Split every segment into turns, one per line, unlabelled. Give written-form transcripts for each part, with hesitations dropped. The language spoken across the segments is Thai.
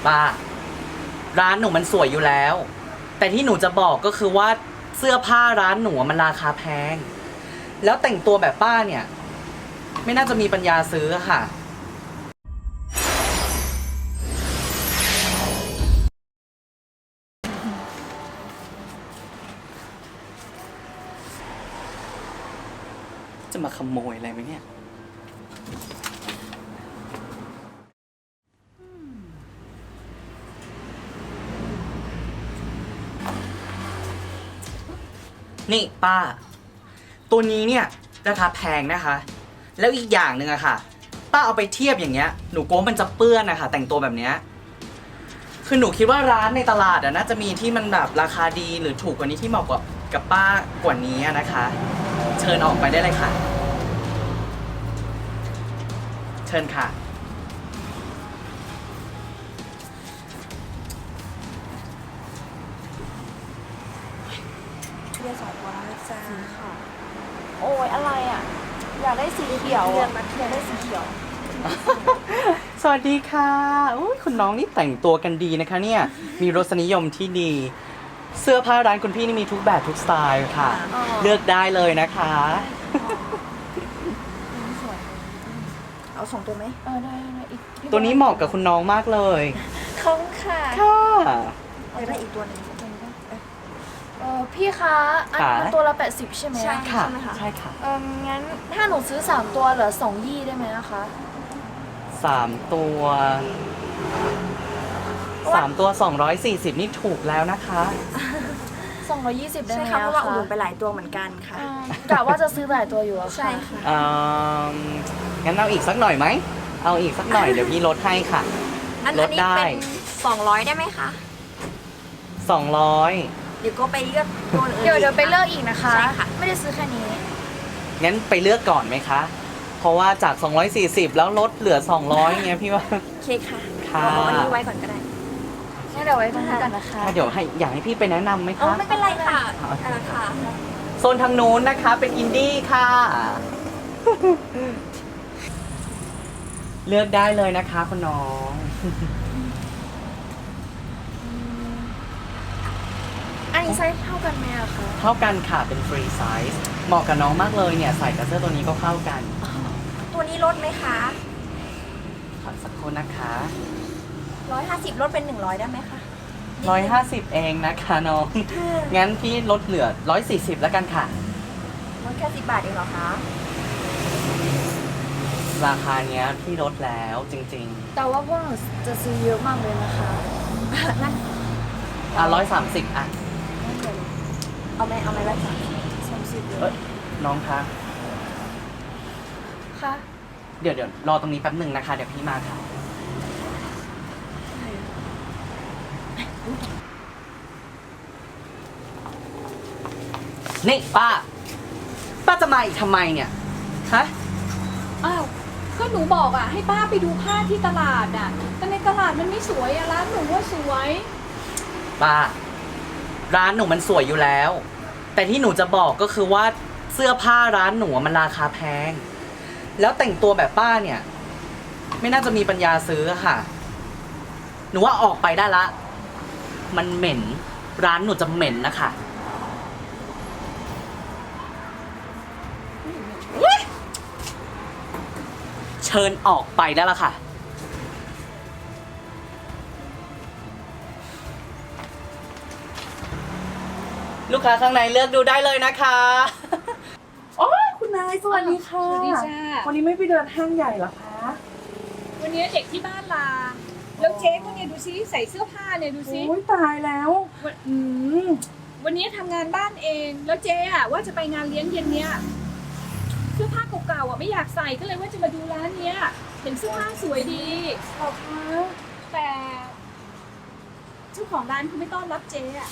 ป้าร้านหนูมันสวยอยู่แล้วแต่ที่หนูจะบอกก็คือว่าเสื้อผ้าร้านหนูมันราคาแพงแล้วแต่งตัวแบบป้าเนี่ยไม่น่าจะมีปัญญาซื้อค่ะจะมาขโมยอะไรไหมเนี่ยนี่ป้าตัวนี้เนี่ยราคาแพงนะคะแล้วอีกอย่างหนึ่งอะค่ะป้าเอาไปเทียบอย่างเงี้ยหนูกลัวมันจะเปื้อนนะคะแต่งตัวแบบเนี้ยคือหนูคิดว่าร้านในตลาดอะน่าจะมีที่มันแบบราคาดีหรือถูกกว่านี้ที่เหมาะกับป้ากว่านี้นะคะเชิญออกไปได้เลยค่ะเชิญค่ะ
เรียน2 วันนะจ๊ะค่ะ
โอ้ยอะไรอ่ะ อยากได้สีเขียว
เรีย
อ่ะ
นมาเทียนได้สีเขียว
สวัสดีค่ะอุ๊ยคุณน้องนี่แต่งตัวกันดีนะคะเนี่ยมีรสนิยมที่ดีเสื้อผ้าร้านคุณพี่นี่มีทุกแบบทุกสไตล์ค่ะ
อ๋อ
เลือกได้เลยนะคะ
สวยเอา2 ตัวไหม
ได้อีก
ตัวนี้เหมาะกับคุณน้องมากเลย
ขอบคุณค่ะ
ค่ะ
อยากได้อีกตัวหนึง
พี่คะอันนี้มันตัวละ80ใช่ไหม
ใช่
ค่ะ
ไหมคะ
ใช่ค่ะ
งั้นถ้าหนูซื้อ3ตัวเหลือ2ยี่ได้ไหมนะคะ
3 ตัว3 ตัว240นี่ถูกแล้วนะคะ
220ได้
ใช่
ไหม
ค่ะเพราะว่าอุดหนุ
น
นไปหลายตัวเหมือนกันค่ะ
กะว่าจะซื้อหลายตัวอยู่อะค่ะ
ใช่ค่ะ
งั้นเอาอีกสักหน่อยไหมเอาอีกสักหน่อยเดี๋ยวพี่ลดให้ค่ะ
อัน
ล
นี้
ด
เป็น
ได้
200ได้ไหมคะ
200
เดี๋ยวก็ไปเลือกตัวอื่น
เดี๋ยวไปเลือกอีกนะคะ
ใช่ค่ะ
ไม่ได้ซื้อแค่นี้
งั้นไปเลือกก่อนไหมคะ เพราะว่าจาก240แล้วลดเหลือ200เงี้ยพี่ว่า
โอเคค่ะ
ค่ะ
เอาอันนี้ไว้ก่อนก็ได้
งั้นเดี๋ยวไว้ตรงนี้กันนะคะ
ถ้าเดี๋ยวอยากให้พี่ไปแนะนำไหม
อ๋อ
คะ
ไม่เป็นไรค่ะอะไรค่ะ
โซนทางนู้นนะคะเป็นอินดี้ค่ะ เลือกได้เลยนะคะคุณน้อง
อันนี้ไซส์เท่ากันไหมอะคะ
เท่ากันค่ะเป็นฟรีไซส์เหมาะกับน้องมากเลยเนี่ยใส่กับเสื้อตัวนี้ก็เข้ากัน
ตัวนี้ลดไหมคะ
ขอสักครู่นะคะ
150ลดเป็น100ได้ไหมคะ
150เองนะคะน้อง งั้นพี่ลดเหลือ140แล้วกันค่ะ
ลดแค่10 บาทเองเหรอคะ
ราคาเนี้ยพี่ลดแล้วจริง
แต่ว่าพวกหนูจะซื้อเยอะมากเลยนะคะ
นั่น
ๆ130อ่ะ
เอาไหม130
เอ้ยน้องคะ
ค่ะ
เดี๋ยวรอตรงนี้แป๊บหนึ่งนะคะ เดี๋ยวพี่มาค่ะ นี่ป้าจะมาอีกทำไมเนี่ย ฮะ
อ้าวก็หนูบอกอ่ะให้ป้าไปดูผ้าที่ตลาดอ่ะแต่ในตลาดมันไม่สวยอ่ะร้านหนูว่าสวย
ป้าร้านหนูมันสวยอยู่แล้ว แต่ที่หนูจะบอกก็คือว่าเสื้อผ้าร้านหนูมันราคาแพงแล้วแต่งตัวแบบป้าเนี่ยไม่น่าจะมีปัญญาซื้อค่ะหนูว่าออกไปได้ละมันเหม็นร้านหนูจะเหม็นนะคะเชิญออกไปได้ละค่ะลูกค้าข้างในเลือกดูได้เลยนะคะ
โอ้ยคุณนายสวัสดีค่ะ
สวัสดีจ้า
วันนี้ไม่ไปเดินห้างใหญ่เหรอคะ
วันนี้เด็กที่บ้านลา แล้วเจ๊ก็เนี่ยดูซิใส่เสื้อผ้าเนี่ยดูซิ
โอ้ยตายแล้ว อืม
วันนี้ทำงานบ้านเอง แล้วเจ๊อ่ะว่าจะไปงานเลี้ยงเย็นเนี้ยเสื้อผ้าเก่าๆอ่ะไม่อยากใส่ก็เลยว่าจะมาดูร้านเนี้ยเห็นเสื้อผ้าสวยดี
ขอบคุณ
แต่เจ้าของร้านเขาไม่ต้อนรับเจ๊อ่ะ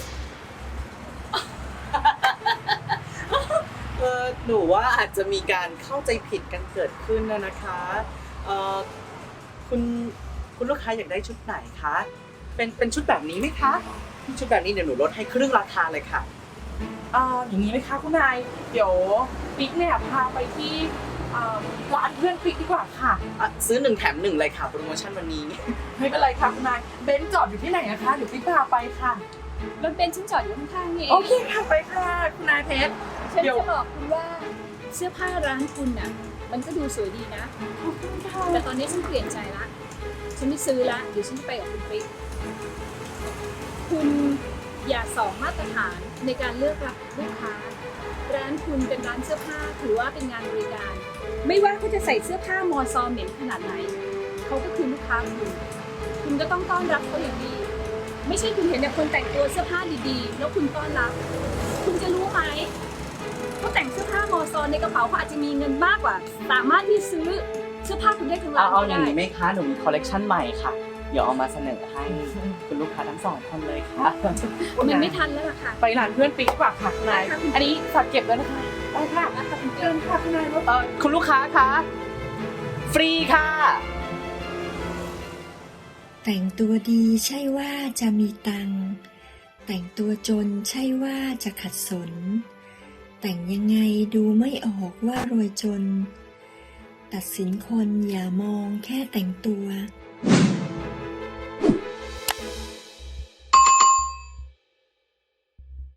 หนูว่าอาจจะมีการเข้าใจผิดกันเกิดขึ้นนะคะคุณลูกค้าอยากได้ชุดไหนคะเป็นชุดแบบนี้ไหมคะชุดแบบนี้เดี๋ยวหนูลดให้ครึ่งราคาเลยค่ะ
อย่างนี้ไหมคะคุณนาย เดี๋ยวปิ๊กเนี่ยพาไปที่ร้านเพื่อนปิ๊กดีกว่าค่ะ
ซื้อ1 แถม 1เลยค่ะ โปรโมชั่นวันนี้
ไม่เป็นไรค่ะคุณนายเบนซ์จอดอยู่ที่ไหนนะคะเดี๋ยวปิ๊กพาไปค่ะ
รถเบนซ์ฉันจอดอยู่ข้างๆนี่เอ
โอง เคค่ะไปค่ะคุณนายเพชร
ฉัน
เดี๋ยว
จะบอกคุณว่าเสื้อผ้าร้านคุณน่ะ มันก็ดูสวยดีนะ แต่ตอนนี้ฉันเปลี่ยนใจละ ฉันไม่ซื้อละ เดี๋ยวฉันจะไปกับคุณปิ๊กคุณอย่าสองมาตรฐานในการเลือกรับลูกค้า ร้านคุณเป็นร้านเสื้อผ้าถือว่าเป็นงานบริการ ไม่ว่าเขาจะใส่เสื้อผ้ามอซอเหม็นขนาดไหน เขาก็คือลูกค้าคุณก็ต้องต้อนรับเขาอย่างดี ไม่ใช่คุณเห็นแต่คนแต่งตัวเสื้อผ้าดีๆ แล้วคุณต้อนรับ คุณจะรู้ไหมเขาแต่งเสื้อผ้ามอซอในกระเป๋าเขาอาจจะมีเงินมากกว่า สามารถที่ซื้อเสื้อผ้าคุณได้ทั้งร้าน
เอา
ก็
อย่าง
ได้
นี้ไหมคะ หนูมีคอลเลกชันใหม่ค่ะ เดี๋ยวเอามาเสนอให้คุณลูกค้าทั้ง2 คนเลยค่ะ
มันไม่ทันแล้วล่ะค่ะ
ไปร้านเพื่อนปิ๊กดีกว่าค่ะคุณนาย
ค่ะคุณ
อันนี้ฝากเก็บแล้วนะคะไปค่ะเชิญค่ะคุณนายรถ
คุณลูกค้าคะ ฟรีค่ะ
แต่งตัวดีใช่ว่าจะมีตังค์แต่งตัวจนใช่ว่าจะขัดสน แต่งยังไงดูไม่ออกว่ารวยจน ตัดสินคนอย่ามองแค่แต่งตัว